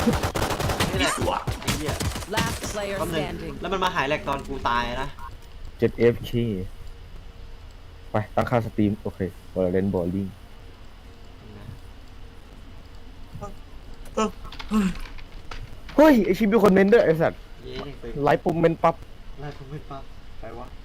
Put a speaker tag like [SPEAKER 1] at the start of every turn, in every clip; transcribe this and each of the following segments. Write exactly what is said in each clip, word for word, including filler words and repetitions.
[SPEAKER 1] นี่แหละ
[SPEAKER 2] สวะ
[SPEAKER 1] ไอ้เหี้ย
[SPEAKER 3] Last player
[SPEAKER 1] แป๊บนึง
[SPEAKER 3] standing.
[SPEAKER 1] แล้วมันมาหายแหลกตอนกูตายนะ
[SPEAKER 4] เจ็ดเอฟคีไปตั้งค่าสตรีมโอเคบอลเลนบอลลิงเฮ้ยไอชิปมีคนเมนด้วยไอสัตว์
[SPEAKER 1] เย้ยังไป
[SPEAKER 4] ไลฟ์ปุ่มเมนปั๊บ
[SPEAKER 1] ไล่ผมไม่ปั๊บใครวะ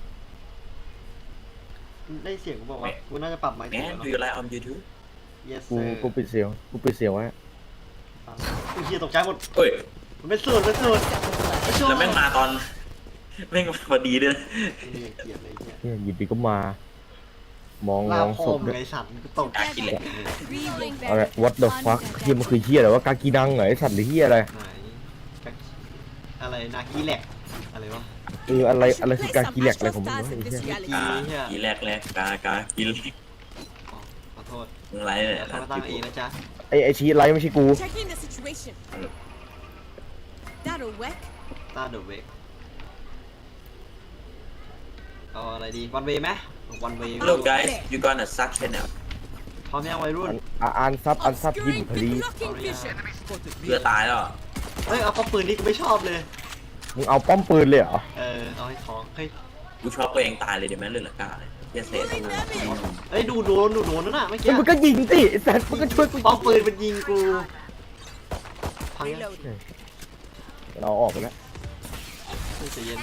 [SPEAKER 1] ได้เสียงกูบอกว่ากูน่าจะปรับไมค์
[SPEAKER 2] แม
[SPEAKER 1] ถูก
[SPEAKER 2] น
[SPEAKER 1] แล้ว
[SPEAKER 2] ดู
[SPEAKER 1] เนาะ
[SPEAKER 2] ไลฟ์ออนยูทูบ
[SPEAKER 1] yes
[SPEAKER 4] กู
[SPEAKER 1] sir
[SPEAKER 4] กูปิดเสียงกูปิดเสียงไว้
[SPEAKER 1] กูเฮียตกใจหมด
[SPEAKER 2] เฮ้ย
[SPEAKER 1] มันเป็นสูตรเป็นสูตรไม่ชอบ
[SPEAKER 2] แล้วแม่งมาตอนแม่งพอดีด้วย
[SPEAKER 1] นี่ยังเกลียดเลยเฮีย
[SPEAKER 4] เนี่ยหยิบดีก็มา มอง
[SPEAKER 1] ลาม
[SPEAKER 4] อง
[SPEAKER 1] โค
[SPEAKER 4] ศพ
[SPEAKER 1] ม
[SPEAKER 4] ด้วย
[SPEAKER 1] ไอ้สัตว์กูตกใจ
[SPEAKER 2] กินแหละ
[SPEAKER 4] อะไร what the fuck เฮียมันคือเฮียอะไรวะกากีนังเหรอไอสัตว์หรือเฮียอะไร
[SPEAKER 1] ไหนอะไรนากีแหลกอะไรวะ
[SPEAKER 4] เอออะไรอะไรคือกากีแลกอะไรของมึงวะไอ้เฮีย
[SPEAKER 1] กี
[SPEAKER 2] กา
[SPEAKER 1] เฮีย
[SPEAKER 2] กีแรกแรกกากากิน
[SPEAKER 1] อ๋อขอโทษ
[SPEAKER 2] มึงไรเนี่ย
[SPEAKER 1] เดี๋ยวเขามาตั้งเองนะจ๊ะ
[SPEAKER 4] ไอไอชีไลฟ์ไม่ใช่กู
[SPEAKER 5] Checking the situation. That'll work.
[SPEAKER 1] ต้าเดอะเวกเอาอะไรดีวันเวย์ไหมวันเวย์
[SPEAKER 2] Hello guys you gonna suck channel
[SPEAKER 1] พร้อมยังวัยรุ่น
[SPEAKER 4] อ่ะอ่านซับอ่านซับยิ้ม
[SPEAKER 5] Obscuring
[SPEAKER 4] พอดี
[SPEAKER 5] blocking vision.
[SPEAKER 2] เพื่อตายแล้ว
[SPEAKER 1] เฮ้ยเอาป้อมปืนนี่กูไม่ชอบเลย
[SPEAKER 4] มึงเอาป้อมปืนเลยเหรอ
[SPEAKER 1] เออเอาให้ท้องเฮ้ย
[SPEAKER 2] กูชอบตัวเองตายเลยเดี๋ยวแม่งเลือดละกาเลยเฮียเสร็จ
[SPEAKER 5] Pulling them in.
[SPEAKER 1] เฮ้ยดูโดนดูโดนนั่นน่ะเมื่อกี้
[SPEAKER 4] แล้วมึงก็ยิงสิไอ้สัตว์มึงก็ช่วยกู
[SPEAKER 1] ป้อมปืนมันยิงกูพังยัง
[SPEAKER 5] Reloading.
[SPEAKER 4] เราออกไปแล้ว
[SPEAKER 1] ใจเย็น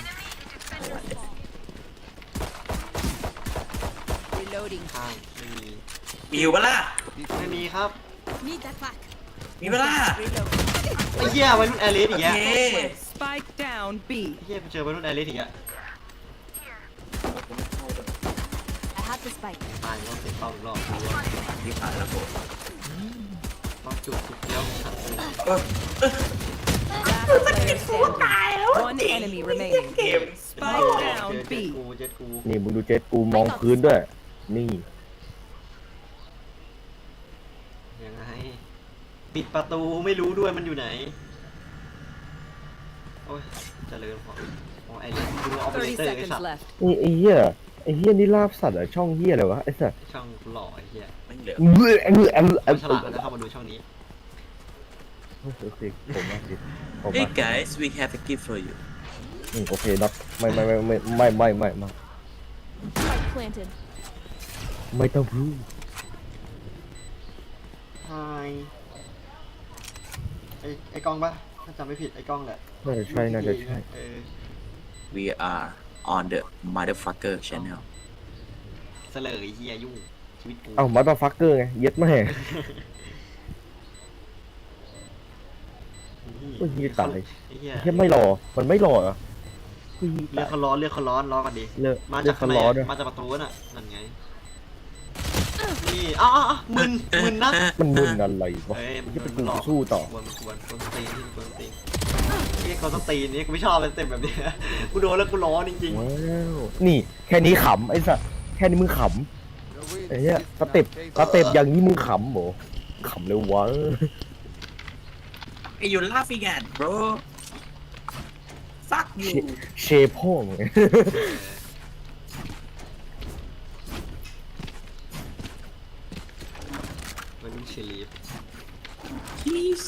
[SPEAKER 5] Reloading.
[SPEAKER 1] ข้างไม่มี
[SPEAKER 2] มีอยู่ปะล่ะ
[SPEAKER 1] ไม่มีครับ
[SPEAKER 5] Need that back.
[SPEAKER 2] มีปะล่ะ
[SPEAKER 5] Reload.
[SPEAKER 1] ไอ้เหี้ยวัยรุ่นแอร์เลสอีก
[SPEAKER 2] เย้
[SPEAKER 1] แล้ว
[SPEAKER 3] Spike down B.
[SPEAKER 1] ไอ้เหี้ยไปเจอวัยรุ่นแอร์เลสอีกแล้ว
[SPEAKER 5] I have the spike.
[SPEAKER 1] ตายแล้วเสียเป้าอีกรอบ
[SPEAKER 2] ที่ผ่านแล้วผม
[SPEAKER 1] ต้องจุดจุดเดียวฉันเลย
[SPEAKER 3] Last player standing. One enemy remaining.
[SPEAKER 2] เกม
[SPEAKER 3] Spike
[SPEAKER 1] เจ
[SPEAKER 3] down
[SPEAKER 1] อเจ็ด
[SPEAKER 3] B.
[SPEAKER 1] กูเจ็ดกู
[SPEAKER 4] นี่มึงดูเจ็ดกูมองพื้นด้วย นี่
[SPEAKER 1] ยังไงปิดประตูไม่รู้ด้วยมันอยู่ไหนโอ้ยเจริญพอโอ้ไอ้เรื่องดูออปเปอเร
[SPEAKER 3] thirty
[SPEAKER 1] เตอร์ไอ้
[SPEAKER 3] seconds
[SPEAKER 1] สัตว์
[SPEAKER 3] left.
[SPEAKER 4] นี่ไอ้เหี้ยไอ้เหี้ยนี่ลาบสัตว์เหรอช่องเหี้ยอะไรวะไอ้สัตว์
[SPEAKER 1] ช่องหล่อไอ้เหี้ย
[SPEAKER 2] ไม่เหลือ
[SPEAKER 4] เบื่อเบื่อเบื่อ
[SPEAKER 1] เอาฉลาดแล้วเข้ามาดูช่องนี้
[SPEAKER 4] โอเคผมมาสิผม
[SPEAKER 2] Hey
[SPEAKER 4] มา
[SPEAKER 2] guys we have a gift for you
[SPEAKER 4] อืมโอเคน็อตไม่ไม่ไม่ไม่ไม่ไม่ไม่ไม่
[SPEAKER 5] Spike planted.
[SPEAKER 4] ไม่ต้องพูด
[SPEAKER 1] ไฮไอ้ไอ้กล้องปะถ้าจำไม่ผิดไอ้กล้องแหละ
[SPEAKER 4] น่าจะใช่น่าจะใช่
[SPEAKER 1] เออ
[SPEAKER 2] we are on the motherfucker channel
[SPEAKER 1] เสลยเฮียยุ่งชีวิตกู
[SPEAKER 4] เอ้ามาตาฟักเกอร์ไงเย็ดแม่โอ้ยเหี้ยตาย
[SPEAKER 1] ไอ้เฮีย
[SPEAKER 4] เหี้ยไม่รอมันไม่รอเหรอเฮ้ย
[SPEAKER 1] เรียกเขาร้อนเรียกเขาร้อนร้อนกันดิ
[SPEAKER 4] เลิก
[SPEAKER 1] มา
[SPEAKER 4] เลิ
[SPEAKER 1] จาก
[SPEAKER 4] ก
[SPEAKER 1] ข้า
[SPEAKER 4] เขา
[SPEAKER 1] งใน
[SPEAKER 4] ล้อด้วย
[SPEAKER 1] มาจากประตูน่ะนั่นไงนี่อ้าวอ้าวอ้าวมึนมึนนะ
[SPEAKER 4] มันมึนอะไรวะ
[SPEAKER 1] เอ้ยมัน
[SPEAKER 4] จะเป็น
[SPEAKER 1] มั
[SPEAKER 4] กู
[SPEAKER 1] นหลอก
[SPEAKER 4] สู้ต่อ
[SPEAKER 1] กวนกวนกวนตีนที่กวนตีนเรียกเขาต้องตีนนี่กูไม่ชอบเป็นเต็มแบบนี้กูโดนแล้วกูร้อนจริง
[SPEAKER 4] ว้าวนี่แค่นี้ขำไอ้สัสแค่นี้มึงขำไอ้เนี้ยสเต็ปสเต็ปอย่างนี้มึงขำโหขำเลยวะ
[SPEAKER 2] Hey you laughing at bro fuck
[SPEAKER 4] เช
[SPEAKER 2] you
[SPEAKER 4] เชพ่องไง
[SPEAKER 1] ๆมันเป็นเชลีฟ
[SPEAKER 2] please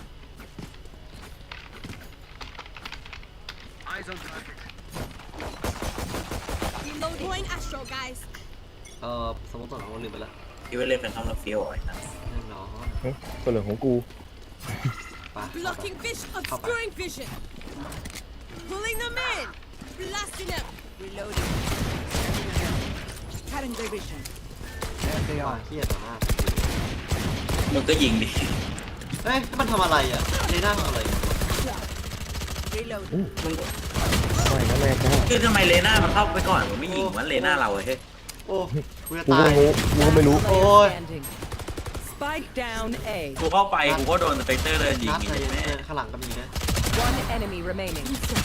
[SPEAKER 5] Deploying Astro, guys.
[SPEAKER 1] เออสมมติว่าเราลืมไปแล้ว
[SPEAKER 2] ที่ว่าเล่นเป็นต้องมาเฟี้ยวไอ้นั่น
[SPEAKER 1] แน่นอน
[SPEAKER 4] เฮ้ยตัวเหลืองของกู
[SPEAKER 1] ไป
[SPEAKER 5] Blocking vision. Obscuring vision. Pulling them in. Blasting them. Reloading. Cutting their vision.
[SPEAKER 1] ว่าเครียดต่อหน้า
[SPEAKER 2] มึงก็ยิงดิ
[SPEAKER 1] เฮ้ยมันทำอะไรอ่ะเลน่าทำอะไร
[SPEAKER 5] Reload.
[SPEAKER 2] มึง
[SPEAKER 4] ไม่นะแม่จ้า
[SPEAKER 2] คือทำไมเลน่ามันเข้าไปก่อนมึงไม่ยิงมันเลน่าเราอะเฮ้ย
[SPEAKER 1] โอ้กูจะ
[SPEAKER 4] กู
[SPEAKER 1] ตา
[SPEAKER 4] ก็
[SPEAKER 1] ย
[SPEAKER 4] ไม่รู้กูก็ไม่รู้
[SPEAKER 1] โอ้ย
[SPEAKER 3] Standing. Spike down A.
[SPEAKER 2] กูเข้าไปกูก็โดนสเปกเตอร์เลยยิง
[SPEAKER 1] นัด
[SPEAKER 2] อี
[SPEAKER 1] เลย
[SPEAKER 2] กแม่
[SPEAKER 1] ข้างหลังก็มีนะ
[SPEAKER 3] One enemy remaining.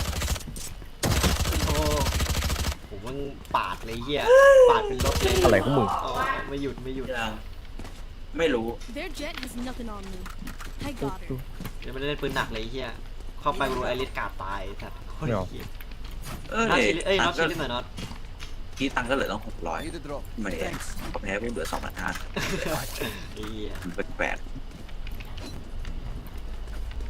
[SPEAKER 1] โอ้ผมมึงปาดเลยเฮียปาดเป็นรถเลย
[SPEAKER 4] อะไรของมึง
[SPEAKER 1] อ๋อไม่หยุดไม่หยุด
[SPEAKER 2] ยังไม่รู้
[SPEAKER 5] Their jet has nothing on me. I got her.
[SPEAKER 1] เดี๋ยวไม่ได้เล่นปืนหนักเลยเฮียเข้าไปรู้ไอริสกาดตายสัตว์โคตรเฮีย
[SPEAKER 2] เออ
[SPEAKER 1] น็อตชิลเอ้ยน็อตชิล
[SPEAKER 2] ตัง
[SPEAKER 1] ลิสหน่อยน็อต
[SPEAKER 2] ที่ตังค์ก็เหลือต้องหกร้อยไม่แพ้แพ้กูเหลือสองพันห้า
[SPEAKER 1] เฮีย
[SPEAKER 2] แปลก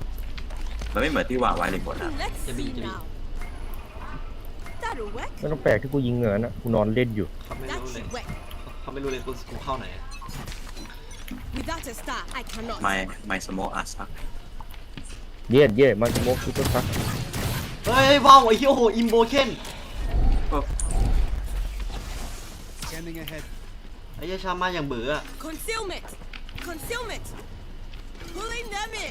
[SPEAKER 2] มันไม่เหมือนที่วางไว้ในบทอะ
[SPEAKER 5] Let's
[SPEAKER 1] จะมี
[SPEAKER 5] see
[SPEAKER 1] จะมี
[SPEAKER 5] now. That'll work.
[SPEAKER 4] ไม่ต้องแปลกที่กูยิงเหงื่อนะกูนอนเล่นอยู่
[SPEAKER 1] เขาไม่
[SPEAKER 5] That
[SPEAKER 1] รู้เลย
[SPEAKER 5] should work.
[SPEAKER 1] เขาไม่รู้เลยกูกูเข้าไหน
[SPEAKER 5] Without a star, I cannot.
[SPEAKER 2] ไม่ไม่สโมออาซัก
[SPEAKER 4] เย็ดเย็ดมันสโมกซุปเปอร์ซัก
[SPEAKER 1] เฮ้ยว้าวไอ้เหี้ยโอ้โหอิมโบเคน
[SPEAKER 6] Scanning ahead.
[SPEAKER 1] ไอ้เหี้ยชามาอย่างเบื่ออะ
[SPEAKER 5] Concealment. Concealment. Pulling them in.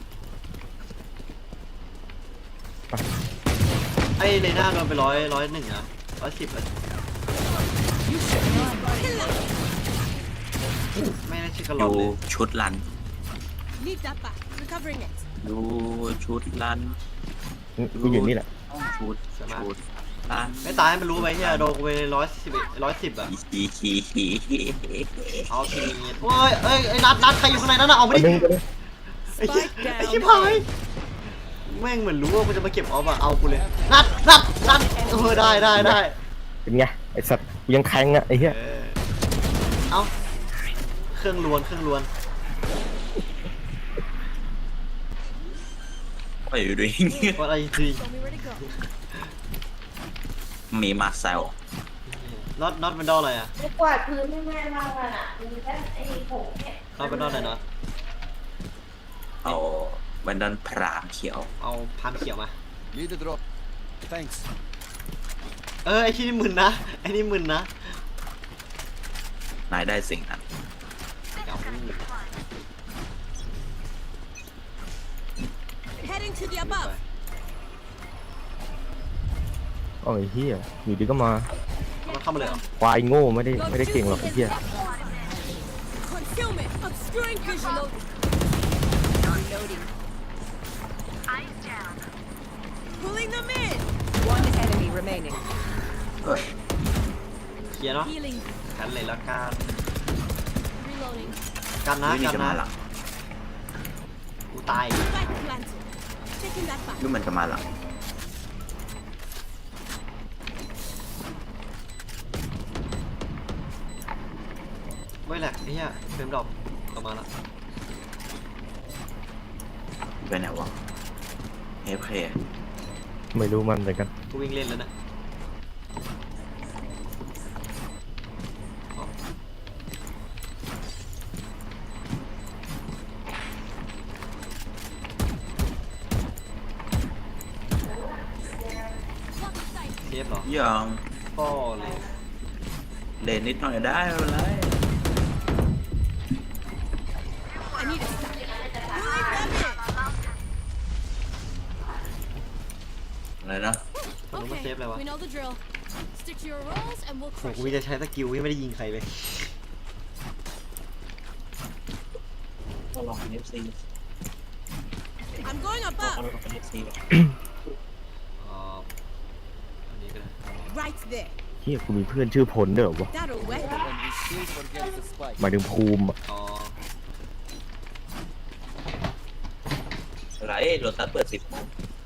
[SPEAKER 1] ไอ้เลน่าโดนไปร้อยร้อยหนึ่งอะร้อยสิบเลยไม่น่าชื่อกระหล
[SPEAKER 2] ดู
[SPEAKER 1] อนเลย
[SPEAKER 2] ชุดรัน
[SPEAKER 5] Leave that back. Recovering it.
[SPEAKER 2] ดูชุดรัน
[SPEAKER 4] กูอยู่นี่แหละ
[SPEAKER 2] ชุดชุดรัน
[SPEAKER 1] ไม่ตายให้มันรู้ไปเฮียโดนกูไปร้อยสิบร้อยสิบอะ
[SPEAKER 2] ฮีฮีฮีฮีฮี
[SPEAKER 1] เอาทีนี้โอ้ยเอ้ยไอ้นัดนัดใครอยู่ข้างในนั่นน่ะเอา
[SPEAKER 4] ไป
[SPEAKER 1] ไม่
[SPEAKER 4] ดึ
[SPEAKER 1] ได้
[SPEAKER 4] งไปเลย
[SPEAKER 1] ไอ้เหี้ย
[SPEAKER 3] Spike
[SPEAKER 1] ไอ้ชิบ
[SPEAKER 3] down
[SPEAKER 1] หายแม่งเหมือนรู้ว่ากูจะมาเก็บออฟอะเอากูเลยนัดนัดนัดเออได้ได้ได้
[SPEAKER 4] เป็นไงไอสัตว์กูยังแทงอ่ะไอ้เหี้ย
[SPEAKER 1] เออเอาเครื่องลวนเครื่องลวน
[SPEAKER 2] ไปอยู่ด้วย
[SPEAKER 1] ว่าอะไรจริง
[SPEAKER 5] Show me where to go.
[SPEAKER 2] มีมาเซล
[SPEAKER 1] น็อตน็อตเป็นดออะไรอะ
[SPEAKER 7] ไม่กวาดพื้นให้แม่มากเลยอ่ะมีแต่ไอ้ผงเนี่ย
[SPEAKER 1] น็อตเป็นดออะไรน็อต
[SPEAKER 2] เอาวันดันพรามเขียว
[SPEAKER 1] เอาพามเขียวมา
[SPEAKER 6] Need the drop. Thanks.
[SPEAKER 1] เออไอ้ที่นี่มึนนะไอ้นี่มึนนะ
[SPEAKER 2] นายได้สิ่งนั้น
[SPEAKER 1] เอา
[SPEAKER 5] Heading to the above.
[SPEAKER 4] อ๋อไอ้เหี้ยอยู่ดีก็มา
[SPEAKER 1] เอามันเข้ามาเลยเหรอ
[SPEAKER 4] ควายโง่ไม่ได้ไม่ได้เก่งหรอกไอ้เหี้ย
[SPEAKER 5] Concealment. Obscuring vision. Reloading. Pulling them in.
[SPEAKER 3] One enemy remaining.
[SPEAKER 1] เคลียร์เนาะ
[SPEAKER 5] Healing.
[SPEAKER 1] กันเลยละกัน
[SPEAKER 5] Reloading.
[SPEAKER 1] กันนะ
[SPEAKER 2] ไม่มี
[SPEAKER 1] กัน
[SPEAKER 2] จะ
[SPEAKER 1] นะ
[SPEAKER 2] มาหลัง
[SPEAKER 1] กูตาย
[SPEAKER 5] Spike planted. Taking that back.
[SPEAKER 2] ดูมันจะมาหลัง
[SPEAKER 1] ไม่แหลกไอ้เหี้ยเฟรมดรอปออกมาละ
[SPEAKER 2] ไปไหนวะเอฟเค
[SPEAKER 4] ไม่รู้มันเหมือนกัน
[SPEAKER 1] กูวิ่งเล่นแล้วนะเทปเหรอ
[SPEAKER 2] ยัง
[SPEAKER 1] พ่อเลย
[SPEAKER 2] เล่นนิดหน่อยได้ไม่เป็นไร
[SPEAKER 5] I need a stack. Pulling them in.
[SPEAKER 2] อะไรนะ
[SPEAKER 1] คนรู้ว่าเซฟอะไรวะ
[SPEAKER 5] We know the drill. Stick to your roles and we'll
[SPEAKER 1] โห
[SPEAKER 5] crush
[SPEAKER 1] กูจะใช้สกิลที่ไม่ได้ยิงใครเลย
[SPEAKER 2] ลองเป็นเอฟซี
[SPEAKER 5] I'm going above.
[SPEAKER 2] ลองเป็นเอฟซี
[SPEAKER 1] อ๋ออันนี้ก็ได้
[SPEAKER 5] Right there.
[SPEAKER 4] เหี้ยกูมีเพื่อนชื่อพลเด้อวะ
[SPEAKER 5] That'll work.
[SPEAKER 6] And we still forget the spike.
[SPEAKER 4] หมายถึงภูมิอะ
[SPEAKER 1] อ๋อ
[SPEAKER 2] อะไรโรตัสเปิดสิบโมง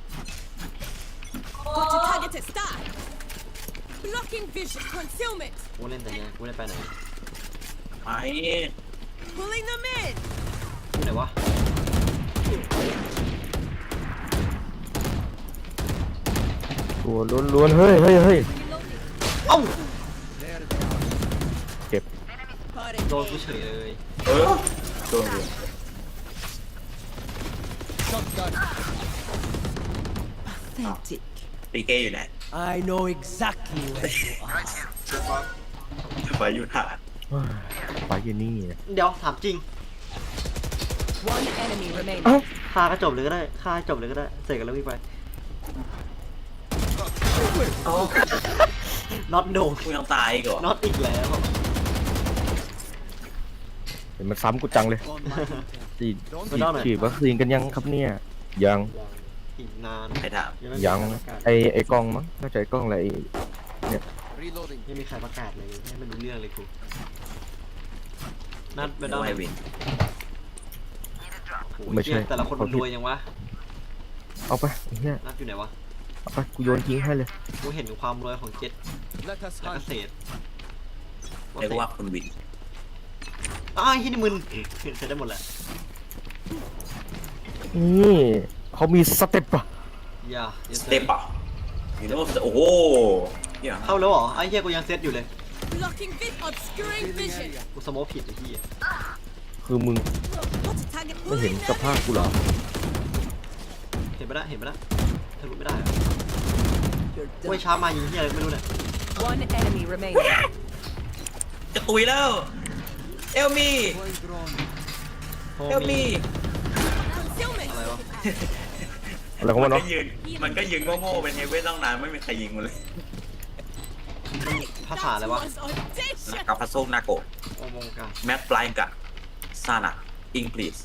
[SPEAKER 5] Got to target a star. Blocking vision. Concealment.
[SPEAKER 1] กูเล่นแต่เนี้ยกูเล่นไปไหน
[SPEAKER 2] ไป
[SPEAKER 5] Pulling them in.
[SPEAKER 1] กูไหนวะ
[SPEAKER 4] ตัวล้วนๆเฮ้ยเฮ้ยเฮ้ย
[SPEAKER 5] Reloading.
[SPEAKER 1] เอ้า
[SPEAKER 6] There they are.
[SPEAKER 4] เจ็บ
[SPEAKER 1] โดนกูเฉยเลย
[SPEAKER 2] เออโดนเลย
[SPEAKER 6] Shotgun.
[SPEAKER 3] Authentic.
[SPEAKER 2] ปีเก้อยู่ไหน
[SPEAKER 8] I know exactly where you are.
[SPEAKER 2] ไปอยู่ฐาน
[SPEAKER 4] ไปอยู่นี่นะ
[SPEAKER 1] เดี๋ยวถามจริง
[SPEAKER 3] One enemy remaining.
[SPEAKER 1] ฆ่าก็จบเลยก็ได้ฆ่าให้จบเลยก็ได้เสร็จกันแล้ววิ่งไปน็อตโดน
[SPEAKER 2] กูยังตายอีกเหรอ
[SPEAKER 1] น็อตอีกแล้ว
[SPEAKER 4] เห็นมันซ้ำกูจังเลย
[SPEAKER 6] On my intent.
[SPEAKER 4] ฉีด
[SPEAKER 6] Don't
[SPEAKER 1] ไม่ต้องหน่อย
[SPEAKER 4] ฉีดวัคซีนกันยังครับเนี่ยยัง
[SPEAKER 1] อีกนาน
[SPEAKER 2] ใครถาม
[SPEAKER 1] ไม่มี
[SPEAKER 4] ยัง
[SPEAKER 1] ใครประกาศ
[SPEAKER 4] ไอไอกล้องมั้งน่าจะไอกล้องอะไรไอ้
[SPEAKER 6] reloading.
[SPEAKER 1] ไม่มีใครประกาศเลยไม่รู้เรื่องเลยครูนัดไป
[SPEAKER 2] ไม่
[SPEAKER 1] ด้
[SPEAKER 2] ต้
[SPEAKER 1] ว
[SPEAKER 2] อง
[SPEAKER 1] ย
[SPEAKER 2] ให้วิน
[SPEAKER 4] ไม่ใช่
[SPEAKER 1] แต่ละคนมันรวยยังวะ
[SPEAKER 4] เอาไปไอ้เนี่ย
[SPEAKER 1] นัดอยู่ไหนวะ
[SPEAKER 4] เอาไปกูโยนทิ้งให้เลย
[SPEAKER 1] กูเห็นถึงความรวยของเจ็ด
[SPEAKER 6] Let us
[SPEAKER 1] แล้วก็
[SPEAKER 6] hunt.
[SPEAKER 1] เศษ
[SPEAKER 2] เรียกว่าคุณวิน
[SPEAKER 1] อ้าวที่นี่มึนเสร็จได้หมดแหละ
[SPEAKER 4] นี่เขามีสเต็ปป่ะ
[SPEAKER 1] อย่า
[SPEAKER 2] สเต็ปอ่ะยูโน่โอ้โหเนี่ย
[SPEAKER 1] เข้าแล้วเหรอไอ้เหี้ยกูยังเซตอยู่เลย
[SPEAKER 5] Blocking vis, obscuring vision.
[SPEAKER 1] กูสโมคผิดไอ้เหี้ย
[SPEAKER 4] คือมึง
[SPEAKER 5] What's a target?
[SPEAKER 4] ไม่เห็น
[SPEAKER 5] Pulling
[SPEAKER 4] สภาพกูเหรอ
[SPEAKER 1] เห็นไปแล้วเห็นไปแล้วทะลุไม่ได้อะโอ้ยช้ามายิงเหี้ยอะไรก็ไม่รู้เนี่ย
[SPEAKER 3] One enemy remaining.
[SPEAKER 2] จะตุยแล้วเอลมี
[SPEAKER 6] Deploying drone.
[SPEAKER 1] โฮ
[SPEAKER 2] เอลมี
[SPEAKER 5] concealment.
[SPEAKER 1] อะไรวะ
[SPEAKER 4] อะไรของ
[SPEAKER 2] มั
[SPEAKER 4] มัน น
[SPEAKER 2] ก็
[SPEAKER 4] วะ
[SPEAKER 2] ยืนมันก็ยืนโง่ๆเป็นเฮเว่นตั้งนานไม่มีใครยิงมันเลย
[SPEAKER 1] ภาษาอะไร
[SPEAKER 5] That
[SPEAKER 1] วะ
[SPEAKER 5] was audacious.
[SPEAKER 2] กับพัสโซนาโก
[SPEAKER 1] โอมงกัน
[SPEAKER 2] แม็กปลายกับซานะอิงพลีส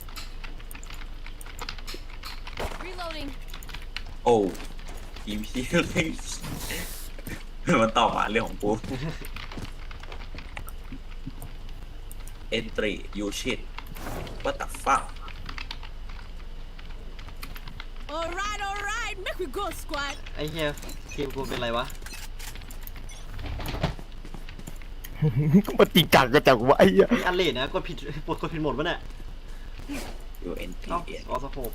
[SPEAKER 5] Reloading.
[SPEAKER 2] โอ้ทีมพี่เล่นมันตอบมาเรื่องของกู entry you shit what the fuck
[SPEAKER 5] All right, all right. Make we go, squad.
[SPEAKER 1] ไอ้เหี้ยทีมกูเป็นไรวะ
[SPEAKER 4] ก็มาตีกังกันจังวะไอ้เหี้ย
[SPEAKER 1] นี่อันเลดนะกดผิดกดกดผิดหมดวะเนี่ย
[SPEAKER 2] you nt
[SPEAKER 1] เอ้าออสโคป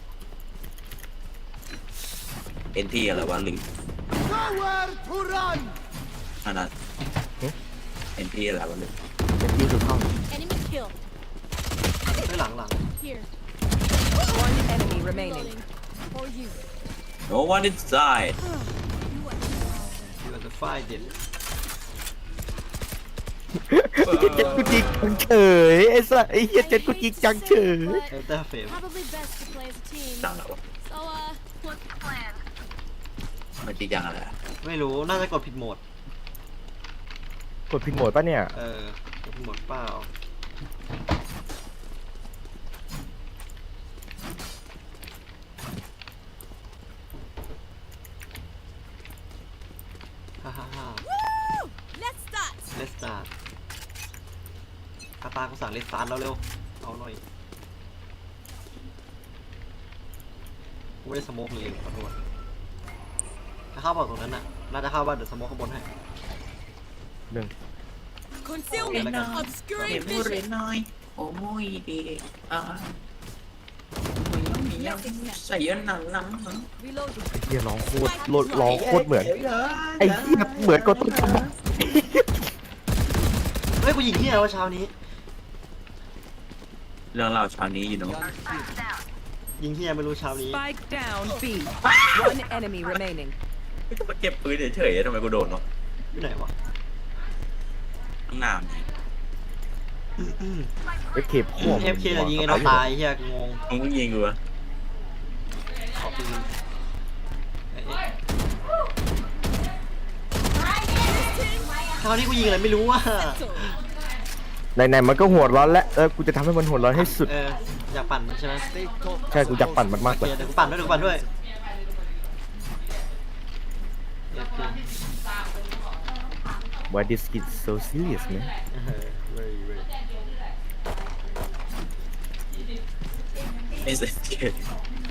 [SPEAKER 2] nt อะไรวะลืม
[SPEAKER 6] Nowhere to run.
[SPEAKER 2] อันนั้น nt อะไรวะลืม
[SPEAKER 4] เป็นที่สุดท้าย
[SPEAKER 5] Enemy kill.
[SPEAKER 1] เฮ้ยหลังหลัง
[SPEAKER 5] Here.
[SPEAKER 3] One enemy remaining.
[SPEAKER 5] Reloading. For you.
[SPEAKER 2] no one inside
[SPEAKER 1] อยู่อันเดอร์ไฟเด็ด
[SPEAKER 4] ไอ้เหี้ยเจ็ดกูจิกจังเฉยไอ้สัสไอ้เหี้ยเจ็ดกูจิกจังเฉย
[SPEAKER 1] เอลเตอร์เฟม
[SPEAKER 5] Probably best to play as a team.
[SPEAKER 2] จังแล้ววะ
[SPEAKER 5] So, uh, what's the plan?
[SPEAKER 2] มันจริงจังอะไรอะ
[SPEAKER 1] ไม่รู้น่าจะกดผิดโหมด
[SPEAKER 4] กดผิดโหมดปะเนี่ย
[SPEAKER 1] เออกดผิดโหมดเปล่าฮ่าฮ่าฮ่า
[SPEAKER 5] Woo! Let's start.
[SPEAKER 1] เลสตาร์คาตากูสั่งเลสตาร์แล้วเร็วเอาหน่อยกูไม่ได้สโมกเลยขอโทษถ้าเข้าบอกตรงนั้นน่ะน่าจะเข้าว่าเดี๋ยวสโมกข้างบนให้
[SPEAKER 4] หนึ่ง
[SPEAKER 5] Concealment.
[SPEAKER 1] Okay.
[SPEAKER 5] Obscuring vision.
[SPEAKER 2] น้อยโอ้ยดีอ่ะใส่เยอะหนังหนัง
[SPEAKER 5] Reloading.
[SPEAKER 4] ไอ้เหี้ยร้องโคตรร้องโคตรเหมือนไอ้เหี้ยเหมือนกับต้นฉบับ
[SPEAKER 1] เฮ้ยกูยิงเหี้ยแล้วเช้านี้
[SPEAKER 2] เรื่องเราเช้านี้อยู่เนาะ
[SPEAKER 6] Gun free.
[SPEAKER 1] ยิงเหี้ยไม่รู้เช้านี้
[SPEAKER 3] Spike down B. One enemy remaining.
[SPEAKER 2] ไม่ต้องมาเก็บปืนเฉยๆทำไมกูโดนเนาะ
[SPEAKER 1] อยู่ไหนวะ
[SPEAKER 2] ข้างหน้า
[SPEAKER 4] ไอ้เข็บพ่วง
[SPEAKER 1] เอฟเคจะยิงไอ้น้องตายเหี้ยกูงง
[SPEAKER 2] มึงยิงกูวะ
[SPEAKER 1] ขอปืนเอ้ยเอ้ยเช้านี้กูยิงอะไรไม่รู้อ่ะ
[SPEAKER 5] So,
[SPEAKER 4] ไหนๆมันก็หัวร้อนแล้วเออกูจะทำให้มันหัวร้อนให้สุด
[SPEAKER 1] เอออยากปั่นมันใช่ไหม
[SPEAKER 6] Stay top.
[SPEAKER 4] ใช่กูอยากปั่นมันมาก
[SPEAKER 1] โอ
[SPEAKER 4] เล
[SPEAKER 1] เค
[SPEAKER 4] ย
[SPEAKER 1] เดี๋ยวกูปั่นด้วยเดี๋ยวกูปั่นด้วยเอฟเค
[SPEAKER 4] Why this kid so serious man
[SPEAKER 2] ไอ้เสร็จ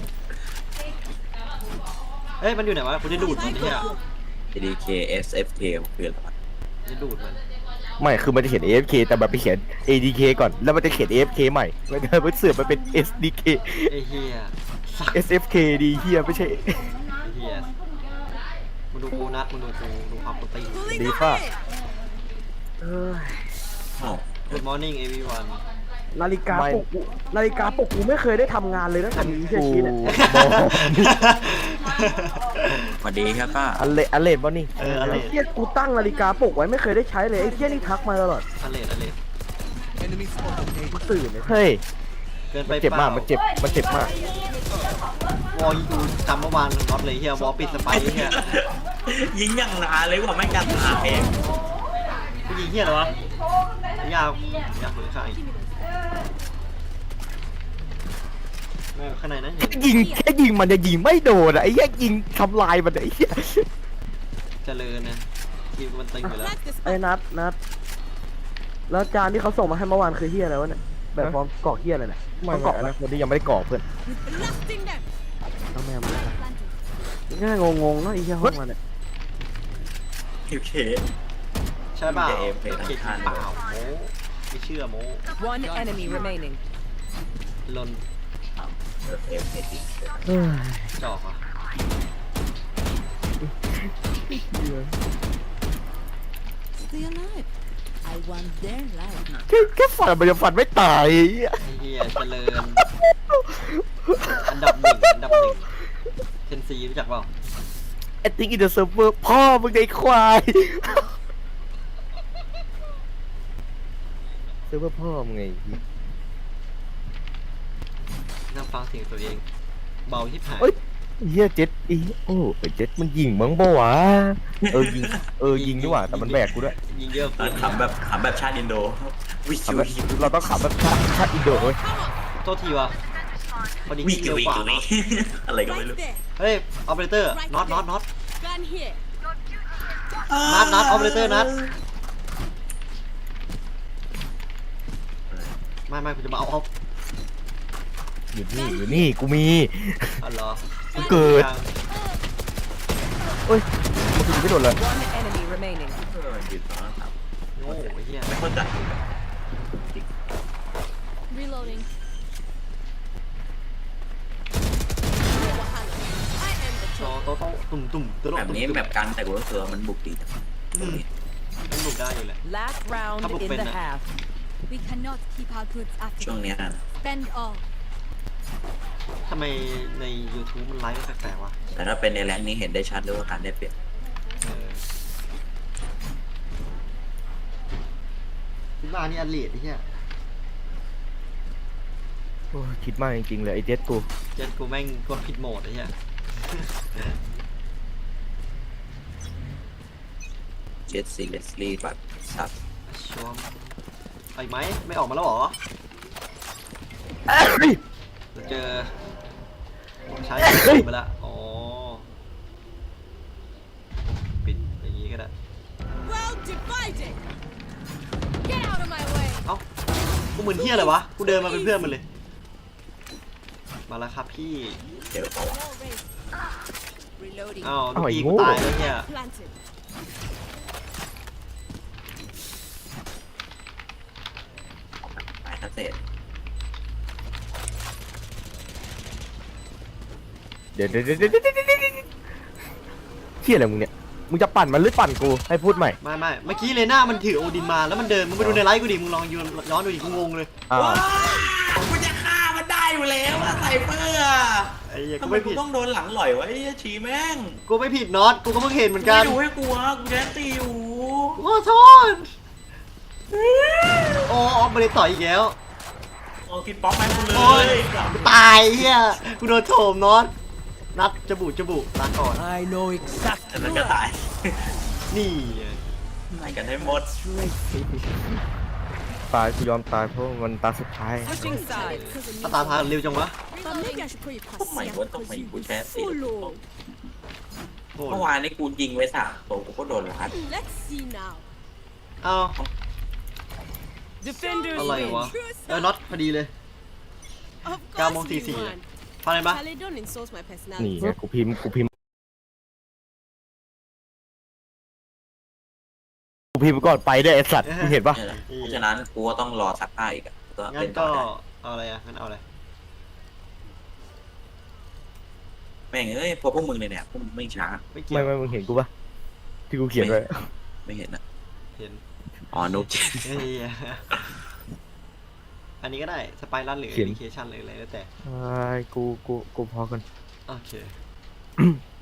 [SPEAKER 1] เฮ้ยมันอยู่ไหนวะกูจะดูดมันเนี่ย
[SPEAKER 2] ดีเค เอส เอฟ เค คืออะไรวะ
[SPEAKER 1] จะดูดมัน
[SPEAKER 4] ไม่คือมันจะเขียน เอ เอฟ เค แต่แบบไปเขียน เอ ดี เค ก่อนแล้วมันจะเขียน เอ เอฟ เค ใหม่แล้วก็ไปเสือกมันเป็น เอส ดี เค
[SPEAKER 1] ไอ้เหี้ยสัก
[SPEAKER 4] เอส เอฟ เค ดีเฮียไม่ใช่
[SPEAKER 1] ไอ้เหี้ยมึงดูกูนัดมึงดูกูดูความกูตี
[SPEAKER 5] pulling
[SPEAKER 4] Đi
[SPEAKER 5] them
[SPEAKER 4] pha.
[SPEAKER 5] in.
[SPEAKER 2] อ้าว
[SPEAKER 1] Good morning everyone
[SPEAKER 9] นาฬิกา
[SPEAKER 4] ไม่
[SPEAKER 9] ปลุกกูนาฬิกาปลุกกูไม่เคยได้ทำงานเลยตั้งแต่มีเชีย
[SPEAKER 4] กู
[SPEAKER 9] ชีเนี่ย
[SPEAKER 4] บอก
[SPEAKER 2] สวัสดีครับป้า
[SPEAKER 4] อันเลอันเลนบ่นี่
[SPEAKER 1] เอออะไร
[SPEAKER 9] ไอ้เชียกูตั้งนาฬิกาปลุกไว้ไม่เคยได้ใช้เลยไอ้เชียนี่ทักมาตลอด
[SPEAKER 1] อะไรอะไร
[SPEAKER 6] Enemy spotted. A.
[SPEAKER 9] กูตื่นเลย
[SPEAKER 4] เฮ้ย
[SPEAKER 1] เกินไป
[SPEAKER 4] มันเจ็บ
[SPEAKER 1] เป
[SPEAKER 4] มา
[SPEAKER 1] ล่าก
[SPEAKER 4] มันเจ็บมันเจ็บมาก
[SPEAKER 1] วอลกูจำเมื่อวานน็อตเลยเฮียวอลปิดสไปเฮีย
[SPEAKER 2] ยิงอย่างนานเลยว่าไม่กันหาเอง
[SPEAKER 1] กูยิงเฮียเหรอวะยาวอยากเผยใครแม่ข้างในนั้น
[SPEAKER 4] แค่ยิงแค่ยิงมันจะยิงไม่โดนอะไอ้เหี้ยยิงทำลายมันอะไอ้เหี้ย
[SPEAKER 1] เจริญนะทีมมันตึงอยู่แล้ว
[SPEAKER 5] Flag the
[SPEAKER 9] ไอ้
[SPEAKER 5] spot.
[SPEAKER 9] นัดนัดแล้วจานที่เขาส่งมาให้เมื่อวานคือเฮียอะไรวะเนี่ยแบบพร้อมกรอกเฮียอะไรเนี่ย
[SPEAKER 4] ไม่
[SPEAKER 9] ต้องก
[SPEAKER 4] ก
[SPEAKER 9] ร
[SPEAKER 4] ร
[SPEAKER 9] อ
[SPEAKER 4] อก ก
[SPEAKER 9] ไหม
[SPEAKER 4] นะคนที่ยังไม่ได้กรอกเพื่อน
[SPEAKER 5] Blasting them.
[SPEAKER 9] ต้องแม่มาง่ายงงๆเนาะไอ้เฮียห้องมันเนี่ย
[SPEAKER 2] โอเค
[SPEAKER 1] ใช่เปล่า
[SPEAKER 2] จะเอฟเฟกต์
[SPEAKER 1] เก่ง
[SPEAKER 2] ทัน
[SPEAKER 1] เปล่าโมไม่เชื่อโม
[SPEAKER 3] One enemy remaining.
[SPEAKER 1] ลน
[SPEAKER 2] เอฟเอฟเอฟ
[SPEAKER 4] เฮ้ย
[SPEAKER 1] จอกอ่ะ
[SPEAKER 5] Stay alive. I want their life.
[SPEAKER 4] แค่แค่ฝันมันจะฝันไม่ตายไอ้เหี้ย
[SPEAKER 1] ไอ้เฮียเจริญ อันดับหนึ่งอันดับหนึ่งเทนซีรู้จักเปล่า
[SPEAKER 4] ไอ้ติ๊กอินเดอะเซิร์ฟเวอร์พ่อมึงไอ้ควายเซิร์ฟเวอร์พ่อมึงไง
[SPEAKER 1] นั่งฟังเสียงตัวเอง เบาที่ผาย
[SPEAKER 4] เอ้ยเฮียเจ็ดอีโอ้ไอ้เจ็ดมันยิงมั้งบ่วะเออยิงเออยิงดีกว่าแต่มันแบกกูด้วย
[SPEAKER 1] ยิงเยอะ
[SPEAKER 2] ตอนขำแบบขำแบบชาติอินโดวิ
[SPEAKER 4] ขำ
[SPEAKER 2] ว
[SPEAKER 4] แบบเราต้องขำแบบชาติชาติอินโดเว้ย
[SPEAKER 1] โทษทีวะพอดี
[SPEAKER 2] วิ
[SPEAKER 1] เร็ว
[SPEAKER 2] วิ
[SPEAKER 1] กว่า
[SPEAKER 2] วิ
[SPEAKER 1] เนาะ
[SPEAKER 2] อะไรก็ไม่
[SPEAKER 5] Right
[SPEAKER 2] รู้
[SPEAKER 5] there.
[SPEAKER 1] เฮ้ยออเปอเรเตอร์น็อตน็อตน็อต
[SPEAKER 5] Gun here.
[SPEAKER 1] นัดนัดออเปอเรเตอร์นัดไม่ไม่กูจะมาเอาออฟ
[SPEAKER 4] อยู่นี่อยู่นี่กูมี
[SPEAKER 1] อ๋อเหรอ
[SPEAKER 4] กูเกิดเอ้ยมันคือไม่โดนเลย
[SPEAKER 3] One enemy remaining.
[SPEAKER 2] เออยืนตรงนั้นครับ
[SPEAKER 1] โอ้ยเฮีย
[SPEAKER 2] ไม่เข้าใจ
[SPEAKER 5] Reloading. I am the
[SPEAKER 1] โต
[SPEAKER 5] chosen.
[SPEAKER 1] โตโตตุ่มตุ่มตุ่ม
[SPEAKER 2] แบบนี้แบบกันแต่กูรู้สึกว่ามันบุกดีจัง
[SPEAKER 1] มันหลุดได้อยู่แหละ
[SPEAKER 3] Last round
[SPEAKER 1] Couple
[SPEAKER 3] in the
[SPEAKER 1] pin, uh,
[SPEAKER 3] half.
[SPEAKER 5] We cannot keep our goods
[SPEAKER 2] ช่วง
[SPEAKER 5] after.
[SPEAKER 2] เนี้ย
[SPEAKER 5] Spend all.
[SPEAKER 1] ทำไมใน YouTube มันไลฟ์แปลกๆวะ
[SPEAKER 2] แต่ถ้าเป็นในแรงนี้เห็นได้ชัดเลยว่าการได้เปรียบ
[SPEAKER 1] เออคิดว่านี่อันเลดไอ้เหี้ย
[SPEAKER 4] โอ้ยคิดมากจริงๆเลยไอ้เจ็ดกู
[SPEAKER 1] เจ็ดกูแม่งกดผิดโหมดไอ้เหี้ย
[SPEAKER 2] เจ็ดซีเลสลีแบบสับ
[SPEAKER 1] ชัวร์ไปไหมไม่ออกมาแล้วเหรอ
[SPEAKER 4] เอ้ย
[SPEAKER 1] เดี๋ยวเจอใช้ไปละอ๋อปิดอย่างงี้ก็ได้
[SPEAKER 5] Well divided. Get out of my way.
[SPEAKER 1] เอ้ากูเหมือนเหี้ยอะไรวะกูเดินมาเป็นเพื่อนมันเลยมาแล้วครับพี่
[SPEAKER 2] เดี๋ยวบอกว่า
[SPEAKER 5] Wall raised. Reloading.
[SPEAKER 1] อ้าวลูกพี่กูตายแล้วเนี่ย
[SPEAKER 5] Planted.
[SPEAKER 2] หมายทัศเศษ
[SPEAKER 4] เดี๋ยวเดี๋ยวเดี๋ยวเดี๋ยวเดี๋ยวเดี๋ยวเดี๋ยวเที่ยอะไรมึงเนี่ยมึงจะปั่นมันหรือปั่นกูให้พูดใหม่
[SPEAKER 1] ไม่ไม่เมื่อกี้เลน่ามันถือโอดินมาแล้วมันเดินมึงไปดูในไลฟ์กูดิมึงลองย้อนดูดิกูงงเลย
[SPEAKER 4] อ้าว
[SPEAKER 2] กูจะฆ่ามันได้อยู่แล้วอะไซเฟอร์อะ
[SPEAKER 1] ไอ้เหี้ย
[SPEAKER 2] ทำ
[SPEAKER 1] กู
[SPEAKER 2] ไม
[SPEAKER 1] ไม่
[SPEAKER 2] กู
[SPEAKER 1] ผิด
[SPEAKER 2] ต้องโดนหลังหล่อยวะไอ้ชีแม่ง
[SPEAKER 1] กูไม่ผิดน็อตกูก็เพิ่งเห็นเหมือนกัน
[SPEAKER 2] ไม่ดูให้กูอะกูแดนตีอยู่
[SPEAKER 1] กูขอโทษโอ้ออฟมาเลยต่อยอีกแล้ว
[SPEAKER 2] โอ้กินป๊อปแม่งกูเล
[SPEAKER 1] โอ้ย
[SPEAKER 2] ย
[SPEAKER 1] ตายเฮียกูโดนโถมน็อตนัดจบุจบุลาก่อน
[SPEAKER 8] I know exactly.
[SPEAKER 2] แต่มันก็ตาย
[SPEAKER 1] นี่
[SPEAKER 2] ไม่กันให้หมด
[SPEAKER 4] ตายกูยอมตายเพราะมันตาสุดท้าย
[SPEAKER 3] Switching sides.
[SPEAKER 1] ถ้าตาพาเร็วจังวะ
[SPEAKER 5] But maybe I should put you
[SPEAKER 2] ทำไม
[SPEAKER 5] past
[SPEAKER 2] วะทำไมกูแค่ตี
[SPEAKER 5] Follow.
[SPEAKER 1] โอ้
[SPEAKER 2] เมื่อวานนี้กูยิงไว้สามตัวกูก็โดนลัด
[SPEAKER 5] Let's see now.
[SPEAKER 1] เอ้า
[SPEAKER 3] Defenders
[SPEAKER 1] อะไร
[SPEAKER 3] win.
[SPEAKER 1] วะเออน็อตพอดีเลย
[SPEAKER 5] Of
[SPEAKER 1] เก้าโมง
[SPEAKER 5] course
[SPEAKER 1] สี่
[SPEAKER 5] you
[SPEAKER 1] สี่
[SPEAKER 5] won.
[SPEAKER 1] พาอะไรปะ
[SPEAKER 5] Charlie, don't insult my
[SPEAKER 4] นี่
[SPEAKER 5] personality.
[SPEAKER 4] ไงกูพิมพ์กูพิมพ์กูพิมพ์ก่อนไปด้วยไอ้สัตว์มึงเห็นปะ
[SPEAKER 2] เนี่ยแหละเพราะฉะนั้นกูก็ต้องรอสักผ้าอีกอะก็
[SPEAKER 1] งั้
[SPEAKER 2] เล่
[SPEAKER 1] น
[SPEAKER 2] นต่
[SPEAKER 1] ก็
[SPEAKER 2] อได้
[SPEAKER 1] เอาอะไรอ่ะงั้นเอาอะไร
[SPEAKER 2] แม่งเอ้ยพวกพวกมึงเลยเนี่ยพวกมึงไม่ช้า
[SPEAKER 1] ไม่เกี่ย
[SPEAKER 4] ไม่
[SPEAKER 1] ว
[SPEAKER 4] ไม่มึงเห็นกูปะที่กูเขียนไว้
[SPEAKER 2] ไม่เห็นนะ
[SPEAKER 1] เห็น
[SPEAKER 2] อ๋อนุ๊ก
[SPEAKER 1] เฮ้ยอันนี้ก็ได้สไปรัลหรือ
[SPEAKER 4] เขียน
[SPEAKER 1] ดิเคชันหรืออะไรแล้วแต่
[SPEAKER 4] ไอ้กูกูกูพอกัน
[SPEAKER 1] โอเค